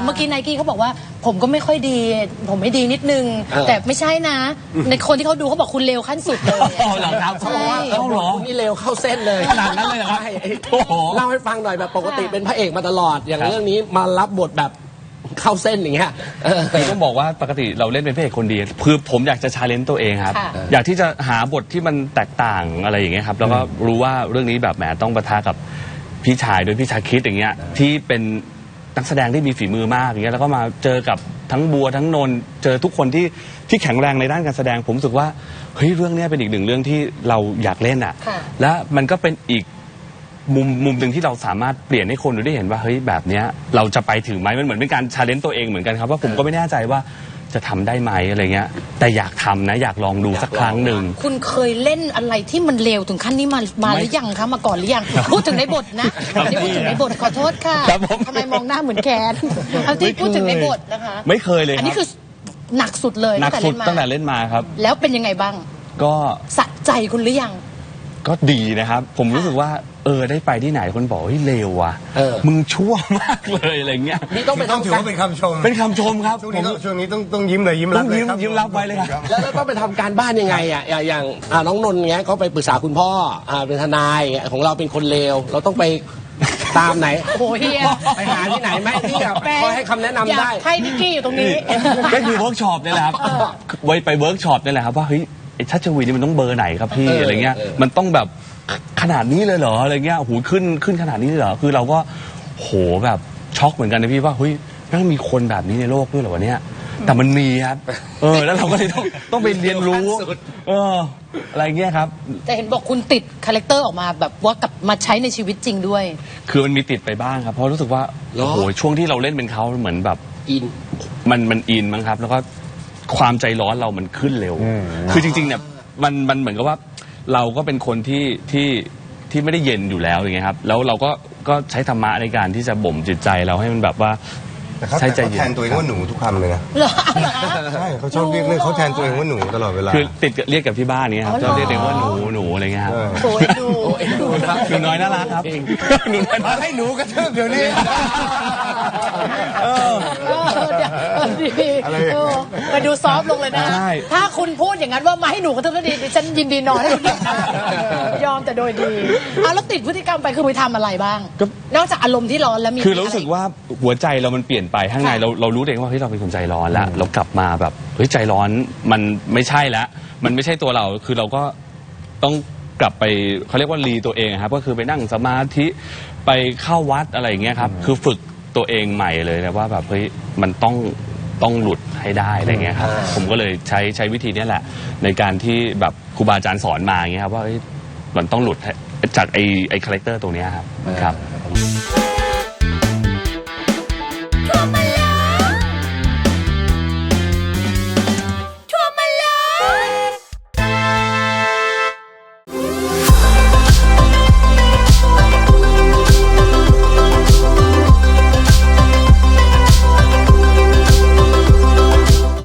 มื่อกี้ไนกี้เขาบอกว่าผมก็ไม่ค่อยดีผมไม่ดีนิดนึงแต่ไม่ใช่นะในคนที่เขาดูเขาบอกคุณเลวขั้นสุดเลยเหรอครับเขาบอกว่าเขาหรอคุณนี่เลวเข้าเส้นเลยขนาดนั้นเลยเหรอครับเล่าให้ฟังหน่อยแบบปกติเป็นพระเอกมาตลอดอย่างเรื่องนี้มารับบทแบบเข้าเส้นอย่างเงี้ยคือต้องบอกว่าปกติเราเล่นเป็นพระเอกคนดีคือผมอยากจะชาเลนจ์ตัวเองครับอยากที่จะหาบทที่มันแตกต่างอะไรอย่างเงี้ยครับแล้วก็รู้ว่าเรื่องนี้แบบแหมต้องปะทะกับพี่ชายโดยพี่ชาคิดอย่างเงี้ยที่เป็นนักแสดงที่มีฝีมือมากอย่างเงี้ยแล้วก็มาเจอกับทั้งบัวทั้งนนท์เจอทุกคนที่แข็งแรงในด้านการแสดงผมรู้สึกว่าเฮ้ยเรื่องนี้เป็นอีกหนึ่งเรื่องที่เราอยากเล่นอ่ะและมันก็เป็นอีกมุมหนึ่งที่เราสามารถเปลี่ยนให้คนดูได้เห็นว่าเฮ้ยแบบเนี้ยเราจะไปถึงไหมมันเหมือนเป็นการชาเลนจ์ตัวเองเหมือนกันครับว่าผมก็ไม่แน่ใจว่าจะทำได้ไหมอะไรเงี้ยแต่อยากทำนะอยากลองดูสักครั้งหนึ่งคุณเคยเล่นอะไรที่มันเลวถึงขั้นนี้มาหรือยังคะมาก่อนหรือยังพูดถึงในบทนะนี่พูดถึงในบทขอโทษค่ะทำไมมองหน้าเหมือนแกนเอาที่พูดถึงในบทนะคะไม่เคยเลยอันนี้คือหนักสุดเลยหนักสุดตั้งแต่เล่นมาครับแล้วเป็นยังไงบ้างก็สะใจคุณหรือยังก็ดีนะครับผมรู้สึกว่าได้ไปที่ไหนคนบอกเฮ้ยเลวว่ะมึงชั่วมากเลยอะไรเงี้ยนี่ต้องถือว่าเป็นคำชมครับช่วงนี้ต้องยิ้มเลยยิ้มรับเลยครับยิ้มรับไว้เลยครับแล้วต้องไปทำการบ้านยังไงอ่ะอย่างน้องนนท์เงี้ยเขาไปปรึกษาคุณพ่อเป็นทนายของเราเป็นคนเลวเราต้องไปตามไหนโอ้เฮียไปหาที่ไหนไหมที่แบบคอยให้คำแนะนำได้ให้นิกกี้อยู่ตรงนี้ก็คือเวิร์กช็อปนี่แหละครับไปเวิร์กช็อปนี่แหละครับว่าเฮ้ยชัชวีนี่มันต้องเบอร์ไหนครับพี่อะไรเงี้ยมันต้องแบบขนาดนี้เลยเหรออะไรเงี้ยโอ้โหขึ้นขนาดนี้เลยเหรอคือเราก็โหแบบช็อกเหมือนกันนะพี่ว่าเฮ้ยแม่งมีคนแบบนี้ในโลกด้วยเหรอวะเนี่ยแต่มันมีครับแล้วเราก็เลยต้องไปเรียนรู้อะไรเงี้ยครับแต่เห็นบอกคุณติดคาแรคเตอร์ออกมาแบบว่ากลับมาใช้ในชีวิตจริงด้วยคือมันมีติดไปบ้างครับเพราะรู้สึกว่าโอ้โหช่วงที่เราเล่นเป็นเขาเหมือนแบบอินมันอินมั้งครับแล้วก็ความใจร้อนเรามันขึ้นเร็วคือจริงๆเนี่ยมันเหมือนกับว่าเราก็เป็นคนที่ไม่ได้เย็นอยู่แล้วอย่างเงี้ยครับแล้วเราก็ใช้ธรรมะในการที่จะบ่มจิตใจเราให้มันแบบว่าใช้ใจเย็นแทนตัวเองว่าหนูทุกคำเลยนะใช่เขาชอบเรียกเขาแทนตัวเองว่าหนูตลอดเวลาคือติดเรียกกับที่บ้านนี้ครับชอบเรียกเองว่าหนูอะไรเงี้ยครับโอ้ยดูหนูน้อยน่ารักครับหนูน้อยให้หนูกระเทิบเดี๋ยวนี้มาดูซอฟลงเลยนะถ้าคุณพูดอย่างนั้นว่ามาให้หนูกระเทิบก็ดีดิฉันยินดีนอนให้คุณยอมแต่โดยดีแล้วติดพฤติกรรมไปคือไปทำอะไรบ้างนอกจากอารมณ์ที่ร้อนแล้วมีคือรู้สึกว่าหัวใจเรามันเปลี่ยนไปข้างในเรารู้เองว่าเฮ้ยเราเป็นคนใจร้อนแล้วเรากลับมาแบบเฮ้ยใจร้อนมันไม่ใช่แล้วมันไม่ใช่ตัวเราคือเราก็ต้องกลับไปเขาเรียกว่ารีตัวเองครับก็คือไปนั่งสมาธิไปเข้าวัดอะไรอย่างเงี้ยครับคือฝึกตัวเองใหม่เลยนะว่าแบบเฮ้ยมันต้องหลุดให้ได้อะไรเงี้ยครับผมก็เลยใช้วิธีนี้แหละในการที่แบบครูบาอาจารย์สอนมาอย่างเงี้ยครับว่ามันต้องหลุดจากไอ้คาแรคเตอร์ตรงนี้ครับ